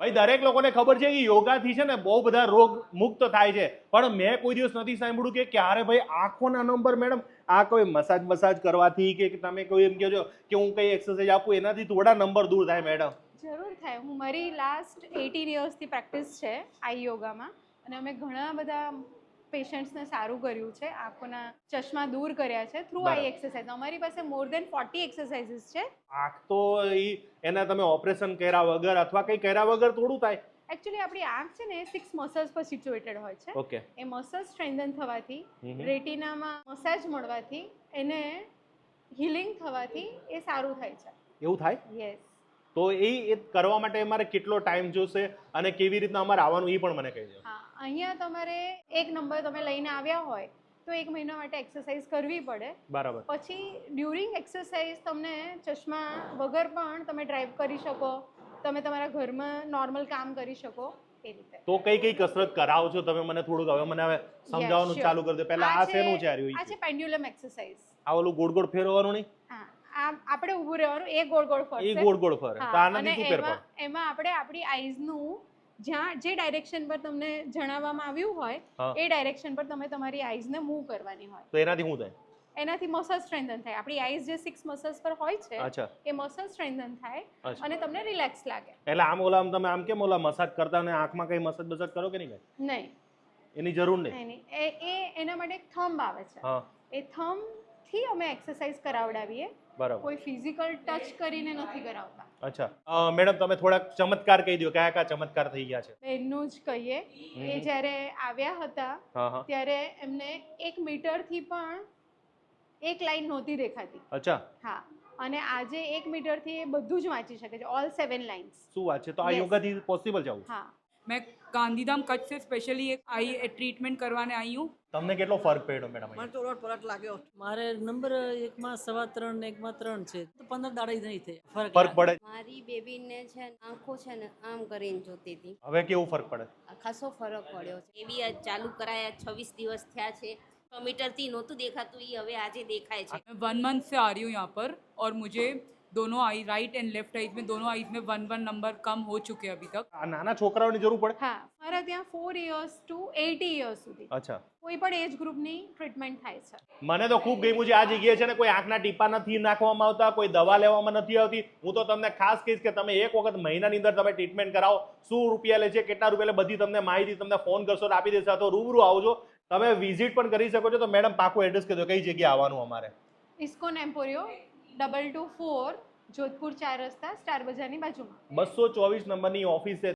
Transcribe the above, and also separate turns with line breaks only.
ભાઈ દરેક લોકોને ખબર છે કે યોગાથી છે ને બહુ બધા રોગ મુક્ત થાય છે, પણ મેં કોઈ દિવસ નથી સાંભળ્યું કે ક્યારે ભાઈ આંખોના નંબર મેડમ આ કોઈ મસાજ કરવાથી કે તમે કોઈ એમ કહો છો કે હું કઈ એક્સરસાઇઝ આપું એનાથી થોડા નંબર દૂર થાય મેડમ?
જરૂર થાય. હું મારી લાસ્ટ 18 યર્સથી પ્રેક્ટિસ છે આઈ યોગામાં, અને અમે ઘણા બધા પેશન્ટ્સને સારું કર્યું છે, આંખોના ચશ્મા દૂર કર્યા છે થ્રુ આઈ એક્સરસાઇઝ. અમારી પાસે મોર દેન 40 એક્સરસાઇઝીસ છે.
આંખ તો એના તમે ઓપરેશન કર્યા વગર અથવા કંઈ કર્યા વગર થોડું થાય.
એકચ્યુઅલી આપણી આંખ છે ને 6 મસલ્સ પર સિચ્યુએટેડ હોય છે.
ઓકે.
એ મસલ્સ સ્ટ્રેન્થન થવાથી, રેટિનામાં મસાજ મળવાથી, એને હીલિંગ થવાથી એ સારું થાય છે.
એવું થાય?
યસ.
તો એ કરવા માટે અમારે કેટલો ટાઈમ જોશે અને કેવી રીતના અમારે આવવાનું એ પણ મને કહી દો.
હા, અહીંયા તમારે એક નંબર તમે લઈને આવ્યા હોય તો 1 મહિના માટે એક્સરસાઇઝ કરવી પડે.
બરાબર.
પછી ડ્યુરિંગ એક્સરસાઇઝ તમને ચશ્મા વગર પણ તમે ડ્રાઈવ કરી શકો, તમે તમારા ઘરમાં નોર્મલ કામ કરી શકો એ રીતે.
તો કઈ કઈ કસરત કરાવો છો તમે મને થોડુંક હવે મને હવે સમજાવવાનું ચાલુ કરી દો. પહેલા આ શેનું છે?
આ છે પેન્ડ્યુલમ એક્સરસાઇઝ.
આ ઓલું ગોળ ગોળ ફેરવવાનું નહીં?
હા, આપણે ઊભું રહેવાનું, એ ગોળ ગોળ ફરશે.
એ ગોળ ગોળ ફરે. તો આનાથી શું ફેર પડે?
એમાં આપણે આપણી આઈઝનું જ્યાં જે ડાયરેક્શન પર તમને જણાવવામાં આવ્યું હોય એ ડાયરેક્શન પર તમે તમારી આઈઝને મૂવ કરવાની હોય.
તો એનાથી શું થાય?
એનાથી મસલ સ્ટ્રેન્થન થાય. આપણી આઈઝ જે 6 મસલ્સ પર હોય છે
અચ્છા,
એ મસલ સ્ટ્રેન્થન થાય અને તમને રિલેક્સ લાગે.
એટલે આમ ઓલા તમે આમ કેમ ઓલા મસાજ કરતા ને આંખમાં કઈ મસાજ બસાજ કરો કે નહીં?
નહીં,
એની જરૂર નહીં.
એના માટે એક થંબ આવે છે. એ થંબ થી અમે એક્સરસાઇઝ કરાવડાવીએ.
બરાબર.
કોઈ ફિઝિકલ ટચ કરીને નથી કરાવતા.
અચ્છા, મેડમ તમે થોડાક ચમત્કાર કહી દો, કયા કયા ચમત્કાર થઈ ગયા છે?
એનું જ કહીએ. એ જ્યારે આવ્યા હતા ત્યારે એમને 1 મીટરથી પણ એક લાઈન નહોતી દેખાતી.
અચ્છા.
હા, અને આજે 1 મીટરથી એ બધું જ વાંચી શકે છે, ઓલ 7 લાઇન્સ.
શું વાત છે? તો આ યોગાથી પોસિબલ છે આવું?
હા.
मैं गांधीधाम कच्छ से स्पेशली एक आई ट्रीटमेंट करवाने आई हूँ.
તમને કેટલો ફરક પડ્યો મેડમ?
મને તો ફરક લાગ્યો. મારે નંબર 1 માં 3.25 ને 1 માં 3 છે, તો 15 દાડા નહીં થાય
ફરક પડે.
મારી બેબીને છે આંખો છે ને આમ કરીને જોતી હતી.
હવે કેવું ફરક પડે?
ખાસો ફરક પડ્યો છે. એવી આજ ચાલુ કરાયા 26 દિવસ થયા છે. 6 મીટરથી નહોતું દેખાતું, એ હવે આજે દેખાય છે.
मैं 1 मंथ से आ रही हूँ यहाँ पर और मुझे दोनों eye right and left eyes में दोनों आईज में 1 नंबर कम हो चुके हैं अभी तक.
આ નાના છોકરાઓની જરૂર પડે?
હા, મારા ત્યાં 4 years to 80 years સુધી
અચ્છા,
કોઈ પણ એજ ગ્રુપની ટ્રીટમેન્ટ થાય છે.
મને તો ખૂબ ગમ્યું છે આ જગ્યાએ છે ને કોઈ આંખના ટીપા નથી નાખવામાં આવતા, કોઈ દવા લેવામાં નથી આવતી. હું તો તમને ખાસ કહીશ કે તમે એક વખત મહિનાની અંદર તમે ટ્રીટમેન્ટ કરાવો. શું રૂપિયા લે છે, કેટલા રૂપિયા લે, બધી તમને માહિતી તમને ફોન કરશો તો આપી દેશે. તો રૂબરૂ આવજો, તમે વિઝિટ પણ કરી શકો છો. તો મેડમ પાકું એડ્રેસ કહી દો, કઈ જગ્યાએ આવવાનું અમારે?
ઇસ્કોન એમ્પોરિયો 224 જોધપુર 4 રસ્તા સ્ટાર બજારની બાજુમાં.
224 નંબરની ઓફિસ છે.